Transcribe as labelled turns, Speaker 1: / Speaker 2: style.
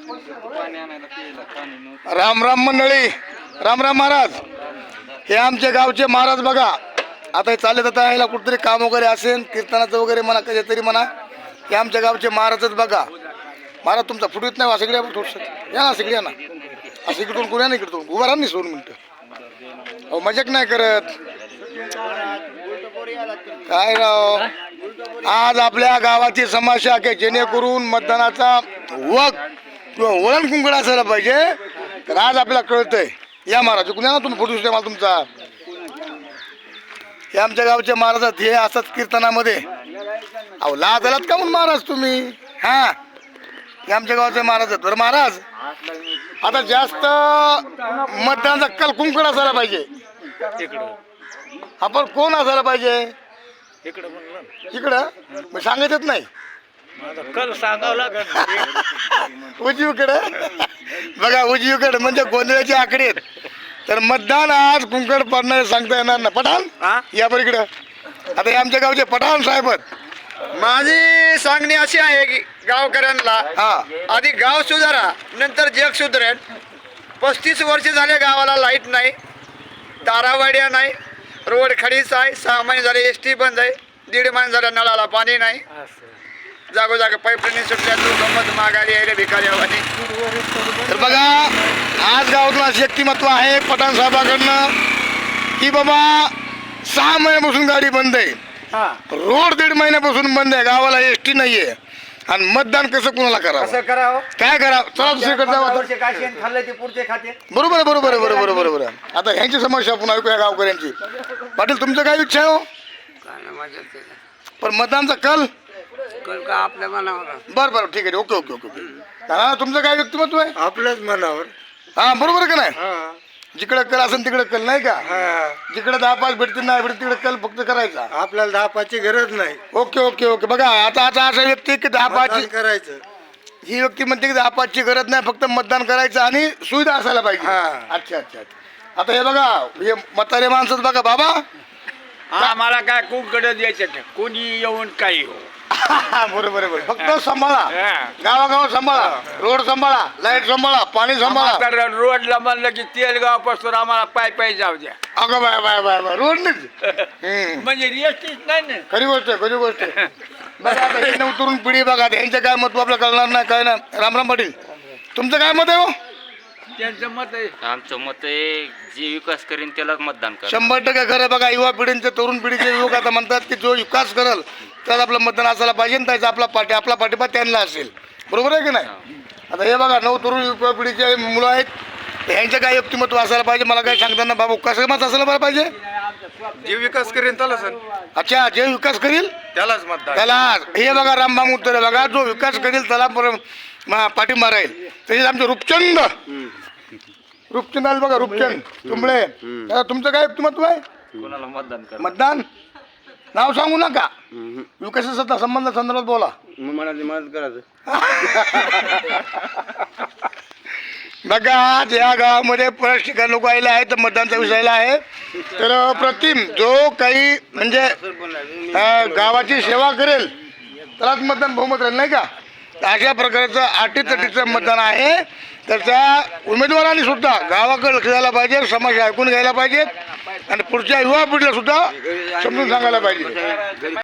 Speaker 1: राम राम मंडळी, राम राम महाराज. हे आमच्या गावचे महाराज बघा. आता हे चालत आता यायला कुठतरी काम वगैरे असेल, कीर्तनाचं वगैरे म्हणा, कधीतरी म्हणा. हे आमच्या गावचे महाराजच बघा. महाराज तुमचा फुट येत नाही वा, सगळ्या थोडस या ना, सगळ्या ना. असं इकडून कोण्या नाही, इकडून उभा राहा नाही 2 मिनिटं. अहो मजाक नाही करत काय राव. आज आपल्या गावाची समस्या आहे, जेणेकरून मतदानाचा किंवा वळण कुंकड असायला पाहिजे. तर आज आपल्याला कळतंय. या महाराज कुणा ना तुम्ही फोटो सुद्धा मला तुमचा. हे आमच्या गावचे महाराज आहेत. हे असंच कीर्तनामध्ये. अहो लाज आलात का म्हणून महाराज तुम्ही. हा हे आमच्या गावचे महाराज आहेत. बरं महाराज, आता जास्त मतदानाचा कल कुंकड असायला पाहिजे. आपण कोण असायला पाहिजे इकडं. मग सांगायचंच नाही
Speaker 2: कल सांगावं लागत.
Speaker 1: उजवीकडे बघा, उजवीकडे म्हणजे गोंधळाचे आकडे आहेत. तर मतदान आज कुंकड पडणारे सांगता येणार ना. पठाण या पर इकडं. आता हे आमच्या गावचे पठाण साहेब आहेत.
Speaker 2: माझी सांगणी अशी आहे की गावकऱ्यांना, आधी गाव सुधारा, नंतर जग सुधारेल. 35 वर्ष झाले गावाला लाईट नाही, तारावाड्या नाही, रोड खडीच आहे. 6 महिने झाले एस टी बंद आहे. 1.5 महिने झाले नळाला पाणी नाही. जागोजागी पाईपलाईन सुटल्या, गंमत मागायला यायला भिकाऱ्यावानी.
Speaker 1: तर बघा, आज गावातलं असं व्यक्तिमत्व आहे पठाण साहेबाकडनं की बाबा 6 महिन्यापासून गाडी बंद आहे, रोड 1.5 महिन्यापासून बंद आहे, गावाला एस टी नाहीये. आणि मतदान कसं कुणाला करावं, काय करावं. चला दुसरीकडे जाऊ. बरोबर आहे, बरोबर आहे, बरोबर आहे, बरोबर आहे. आता ह्यांची समस्या आपण ऐकूया गावकऱ्यांची. पाटील तुमचं काय इच्छा आहे हो. पण मतदानचा कल
Speaker 2: आपल्या मनावर.
Speaker 1: बरं बरं ठीक आहे, ओके ओके ओके ओके. हा तुमचं काय व्यक्तिमत्व आहे.
Speaker 2: आपल्याच मनावर.
Speaker 1: हा बरोबर आहे का नाही. जिकडे कल असेल तिकडे कल नाही का. जिकडे 10-5 भेटतील नाही भेटतील तिकडे कल फक्त करायचा.
Speaker 2: आपल्याला 10-5ची गरज नाही.
Speaker 1: Okay okay okay. बघा आता आता असा व्यक्ती की 10-5
Speaker 2: करायचं.
Speaker 1: ही व्यक्ती म्हणते की 10-5ची गरज नाही, फक्त मतदान करायचं आणि सुविधा असायला पाहिजे. अच्छा अच्छा. आता हे बघा, हे म्हातारे माणसं बघा बाबा.
Speaker 2: आम्हाला काय कुंकड द्यायचं, कोणी येऊन काही हो.
Speaker 1: बरोबर आहे. फक्त सांभाळा, गावागाव सांभाळा, रोड सांभाळा, लाईट सांभाळा, पाणी सांभाळा.
Speaker 2: रोडला म्हणलं की तेलगाव पासून आम्हाला पाय जाऊ द्या.
Speaker 1: अगं bye bye bye bye, road नाही
Speaker 2: म्हणजे रिएस्टीच नाही ना.
Speaker 1: खरी गोष्ट आहे, खरी गोष्ट आहे. बघा आता हे तरुण पिढी बघा, यांचं काय मत आपलं कळणार नाही काय ना. रामराम पाटील, तुमचं काय मत आहे हो.
Speaker 2: त्यांचं मत आहे.
Speaker 3: आमचं मत आहे, जे विकास करेन त्यालाच मतदान करा.
Speaker 1: 100% खरं. बघा युवा पिढींचे, तरुण पिढीचे युवक आता म्हणतात की जो विकास करेल त्याला आपलं मतदान असायला पाहिजे, त्याचा आपला पाठिंबा त्यांना असेल. बरोबर आहे की नाही. आता हे बघा, 9 तरुण युवा पिढीचे मुलं आहेत. ह्यांचं काय व्यक्तिमत्व असायला पाहिजे मला काय सांगताना बाबा कसं मत असायला पाहिजे.
Speaker 2: जे विकास करेन त्यालाच.
Speaker 1: अच्छा, जे विकास करील
Speaker 2: त्यालाच मतदान.
Speaker 1: त्याला. हे बघा रामबाम उत्तर आहे बघा, जो विकास करेल त्याला पाठिंबा राहील. तसेच आमचे रूपचंद आले बघा, रूपचंद तुंबळे. आता तुमचं काय व्यक्तिमत्व आहे.
Speaker 3: कोणाला मतदान करा.
Speaker 1: मतदान नाव सांगू नका, विकासाचा संबंध संदर्भात बोला.
Speaker 2: मला मदत करायचं.
Speaker 1: बघा या गावामध्ये बऱ्याच ठिकाणी लोक आलेले आहेत, मतदानचा विषयाला आहे. तर प्रतिम जो काही म्हणजे गावाची सेवा करेल त्यालाच मतदान बहुमत राहील नाही का. अशा प्रकारचं अटीतटीचं मतदान आहे. तर त्या उमेदवारांनी सुद्धा गावाकडे लक्ष द्यायला पाहिजे, समस्या ऐकून घ्यायला पाहिजेत आणि पुढच्या युवा पिढीला सुद्धा समजून सांगायला पाहिजे.